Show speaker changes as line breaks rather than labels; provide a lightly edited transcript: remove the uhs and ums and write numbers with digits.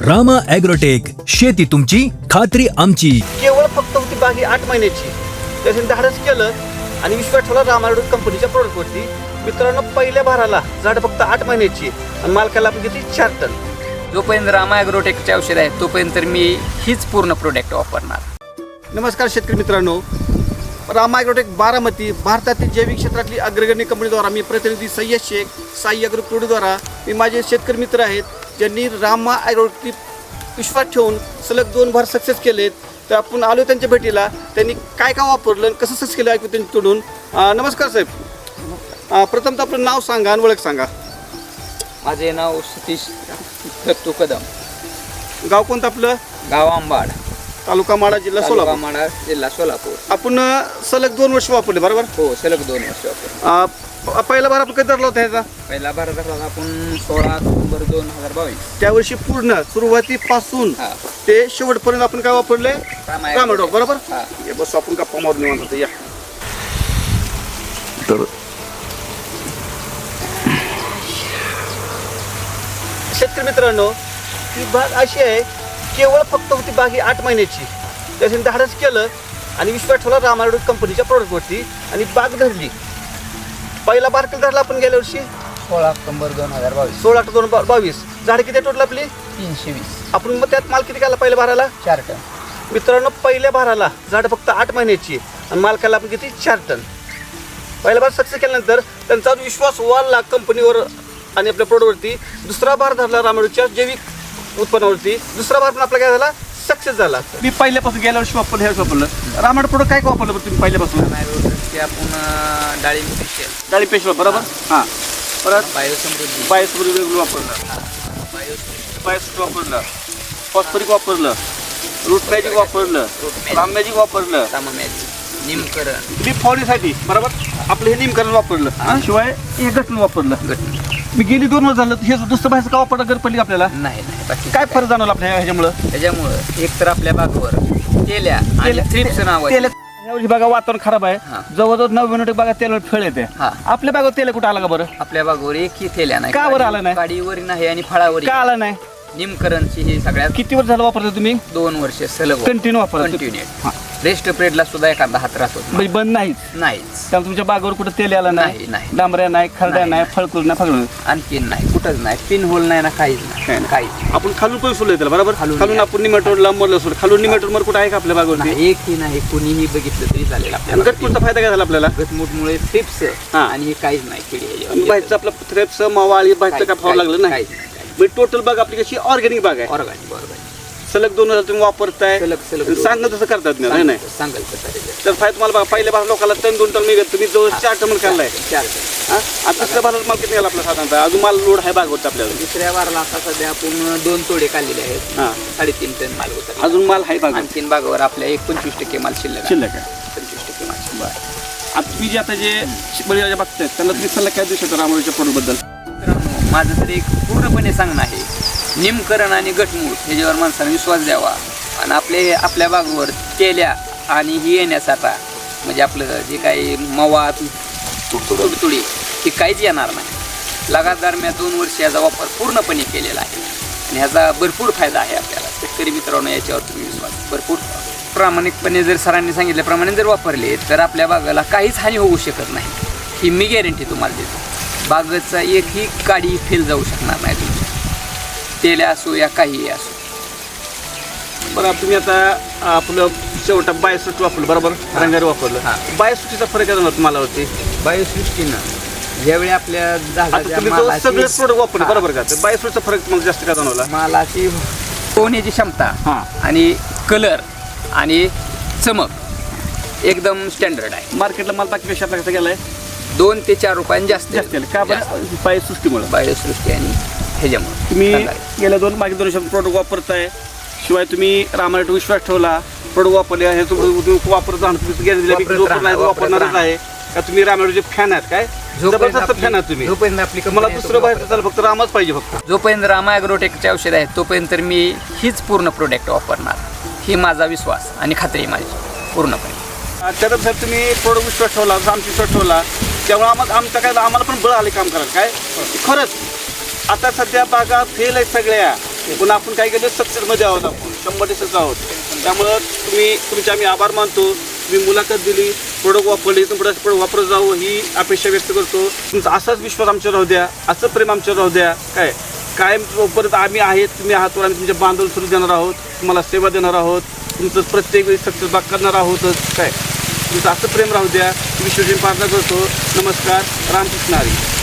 Rama agrotech, शेती तुमची खात्री आमची.
केवळ फक्त होती बागी 8 महिन्याची. त्याने धाडस केलं आणि विश्वास ठेवला रामा ॲग्रोटेक कंपनीच्या प्रोडक्टवरती. मित्रांनो, पहिल्या भाराला झाड फक्त 8 महिन्याची आणि मालकाला आपण घेतली 4 टन.
जोपर्यंत रामा ॲग्रोटेकचे औषध आहे तोपर्यंत तर मी हीच पूर्ण प्रोडक्ट वापरणार.
नमस्कार शेतकरी मित्रांनो, रामा ॲग्रोटेक बारामती भारतातील जैविक क्षेत्रातली अग्रगण्य कंपनीद्वारा मी प्रतिनिधी सय्यद शेख साई ॲग्रो प्रोडक्टद्वारा मी माझे शेतकरी मित्र आहेत ज्यांनी रामा ॲग्रोटेक विश्वास ठेवून सलग 2 भार सक्सेस केलेत. तर आपण आलो त्यांच्या भेटीला. त्यांनी काय काय वापरलं आणि कसं सक्सेस केलं ऐकू त्यांच्याकडून. नमस्कार साहेब, प्रथमतः आपलं नाव सांगा आणि ओळख सांगा.
माझे नाव सतीश दत्तू कदम,
गाव कोणतं आपलं?
गाव आंबाड,
तालुका माडा, जिल्हा सोलापूर.
माडा, जिल्हा सोलापूर.
आपण सलग 2 वर्ष वापरले बरोबर?
हो, सलग 2 वर्ष वापरले.
पहिला भार आपण कधी धरला होता ह्याचा?
पहिला भार धरला आपण 16 ऑक्टोबर 2022.
त्यावर्षी पूर्ण सुरुवातीपासून
हा.
ते शेवटपर्यंत आपण काय वापरले?
रामा
रामा ॲग्रोटेक बरोबर?
हा.
हे बस आपण गप्पा मारून निवांत होतो. या तर शेतकरी मित्रांनो, ही बाग अशी आहे, केवळ फक्त होती बागी 8 महिन्याची. त्याने धाडस केलं आणि विश्वास ठेवला रामा ॲग्रोटेक कंपनीच्या प्रोडक्टवरती आणि बाग धरली. पहिला बार कधी धरला आपण गेल्या वर्षी?
16 ऑक्टोबर 2022.
16 ऑक्टोबर 2022. झाड किती टोटल आपली?
320.
आपण मग त्यात माल किती केला पहिल्या भाराला?
4 टन.
मित्रांनो, पहिल्या भाराला झाड फक्त 8 महिन्याची आणि मालकाला आपण किती? 4 टन. पहिला भार सक्सेस केल्यानंतर त्यांचा विश्वास वाढला कंपनीवर आणि आपल्या प्रोडक्टवरती. दुसरा भार धरला रामा ॲग्रोटेकच्या जैविक उत्पन्नावरती. दुसरा भार पण आपला काय झाला? सक्सेस झाला. मी पहिल्यापासून गेल्या वर्षी वापरलं, ह्या वर्षी वापरलं. रामा ॲग्रोटेक प्रोडक्ट काय काय वापरलं तुम्ही पहिल्यापासून?
रामा ॲग्रोटेकचे आपण डाळिंब स्पेशल,
डाळी पेशवा बरोबर? हां. परत
बायोसमृद्धी,
बायोसमृद्धी वेगळं वापरलं, बायोसमृद्धी वापरलं, फॉस्फरिक वापरलं, रूट मॅजिक वापरलं, राम मॅजिक वापरलं,
निमकरण,
लीफ फॉलीसाठी बरोबर आपलं हे निमकरण वापरलं. शिवाय हे घटन वापरलं. मी गेली 2 वर्ष झालं. हे दुसरं बाहेरचं का वापरलं गरज पडली आपल्याला?
नाही बाकी
काय फरक जाणवला आपल्या ह्याच्यामुळं?
त्याच्यामुळं एक तर आपल्या बागवर तेल्या आणि थ्रिप्स नावाचे.
यावर्षी बघा वातावरण खराब आहे.
हा.
जवळजवळ 90 बागा तेल फेळ येते.
हा.
आपल्या बागावर तेल कुठं आला का बरं?
आपल्या बागवर एकही तेल्या नाही.
का बरं आलं नाही?
काडीवर नाही आणि फळावर
का आला नाही?
निमकरणची ही सगळ्यात
किती वर्ष झालं वापरता तुम्ही?
2 वर्ष सलग
कंटिन्यू वापरता?
कंटिन्यू. रेस्ट पिरियडला सुद्धा एखादा हात राहतो
म्हणजे बंद नाहीच.
त्यामुळे
तुमच्या बागावर कुठं तेल आला
नाही,
नाही, डांबऱ्या नाही, खरड्या नाही, फळकुल नाही, फळकुल.
आणखीन नाही, कुठंच नाही, पिन होल नाही ना, काहीच नाही, काहीच
आपण खालून पण सोडलं त्याला बरोबर.
खालून
आपण निमेटोडला मरलं सोड. खालून निमेटोड मर कुठं आहे का आपल्या बागावरती?
नाही. एकही नाही, कुणीही बघितलं तरी चालेल आपल्याला.
गटपूरचा फायदा काय झाला आपल्याला?
गटमुटमुळे थ्रिप्स
हा.
आणि हे काहीच नाही किडी.
बाहेरचं आपलं थ्रेप्स मावाळी बाहेरचं काय फावं लागलं नाही. टोटल बाग आपली कशी ऑर्गॅनिक बाग आहे.
ऑर्गॅनिक बरोबर.
सलग 2 हजार तुम्ही वापरताय.
सलग
सांगत तसं करतात नाही
सांगाल कसं
तर फायदा तुम्हाला बघा. पहिल्या भार लोकांना 2 टन मिळत, तुम्ही जवळ 4 टन खाल्लाय.
4 टन.
आता दुसऱ्या भारात माल किती गेला आपला साधारणतः? अजून माल लोड आहे बागवरती आपल्याला.
दुसऱ्या वाराला आता सध्या आपण 2 तोडे काढलेले आहेत.
हां.
3.5 टन माल होता.
अजून माल आहे बाग.
आणखीन बागावर आपल्या 25% माल शिल्लक आहे. 25% माल.
आता तुम्ही जे आता जे बळीराजा बघतायत त्यांना तुम्ही सल्ला काय देऊ शकता रामा ॲग्रोटेकच्या प्रोडक्ट बद्दल?
मित्रांनो, माझं तरी एक पूर्णपणे सांगणं आहे, निमकरण आणि गटमूट ह्याच्यावर माणसाने विश्वास द्यावा आणि आपल्या बागवर तेल्या आणि ही येण्यासाठी म्हणजे आपलं जे काही मवा तुडतुडी ही काहीच येणार नाही. लगातार मी 2 वर्ष याचा वापर पूर्णपणे केलेला आहे आणि ह्याचा भरपूर फायदा आहे आपल्याला. शेतकरी मित्रांनो, याच्यावर तुम्ही विश्वास भरपूर प्रामाणिकपणे जर सरांनी सांगितल्याप्रमाणे जर वापरले तर आपल्या बागाला काहीच हानी होऊ शकत नाही, ही मी गॅरंटी तुम्हाला देतो. बागेचा एकही काडी फेल जाऊ शकणार नाही तुमची, तेल्या असो या काहीही असो.
बरं, तुम्ही आता आपलं शेवटा बायोसृष्टी वापरलं बरोबर, रंगारी वापरलं.
हां.
बायोसृष्टीचा फरक आहे जाणवत मला होती.
बायोसृष्टीनं ज्यावेळी आपल्या
आता तुम्ही जवळ सगळे प्रोडक्ट वापरले बरोबर का? तर बायोसृष्टीचा फरक मला जास्त का जाणवला?
मालाची होण्याची क्षमता
हां.
आणि कलर आणि चमक एकदम स्टँडर्ड आहे.
मार्केटला माल बाकीपेक्षा आपला कसा गेलाय?
2 ते 4 रुपयांनी जास्त
जास्त का बरं? बायोसृष्टीमुळे.
बायोसृष्टी आणि ह्याच्यामुळे
तुम्ही गेल्या 2 वर्षात प्रोडक्ट वापरताय. शिवाय तुम्ही रामा ॲग्रोटेक विश्वास ठेवला, प्रोडक्ट वापरले, हे तुम्ही वापरत राहणार. तुम्ही गॅरंटी वापरणारच आहे का? तुम्ही रामा ॲग्रोटेकचे फॅन आहेत काय? जबरदस्त फॅन आहात तुम्ही.
जोपर्यंत आपली
मला दुसरं बाहेरचं चालेल, फक्त रामाच पाहिजे फक्त.
जोपर्यंत रामा ॲग्रोटेकचे औषध आहे तोपर्यंत तर मी हीच पूर्ण प्रोडक्ट वापरणार, ही माझा विश्वास आणि खात्री आहे माझी पूर्णपणे.
त्यानंतर साहेब तुम्ही प्रोडक्ट विश्वास ठेवला, आमचा विश्वास ठेवला, त्यामुळे आमचं काय आम्हाला पण बळ आले काम करायला काय. खरंच आता सध्या बागा फेल आहेत सगळ्या. पण आपण काय केलं सक्सेसमध्ये आहोत, आपण 100% आहोत. त्यामुळं तुमचे आम्ही आभार मानतो. तुम्ही मुलाखत दिली, प्रोडक्ट वापरले, इथून पुढे वापरत जावं ही अपेक्षा व्यक्त करतो. तुमचा असाच विश्वास आमच्यावर राहू द्या, असं प्रेम आमच्यावर राहू द्या. कायम परत आम्ही आहेत, तुम्ही आहात, आम्ही तुमच्या बांधून सुरू देणार आहोत, तुम्हाला सेवा देणार आहोत, तुमचं प्रत्येक वेळी सक्सेस बाग करणार आहोतच. तुमचं असं प्रेम राहू द्या. विश्वजीन प्रार्थना करतो. नमस्कार. रामकृष्ण हरी.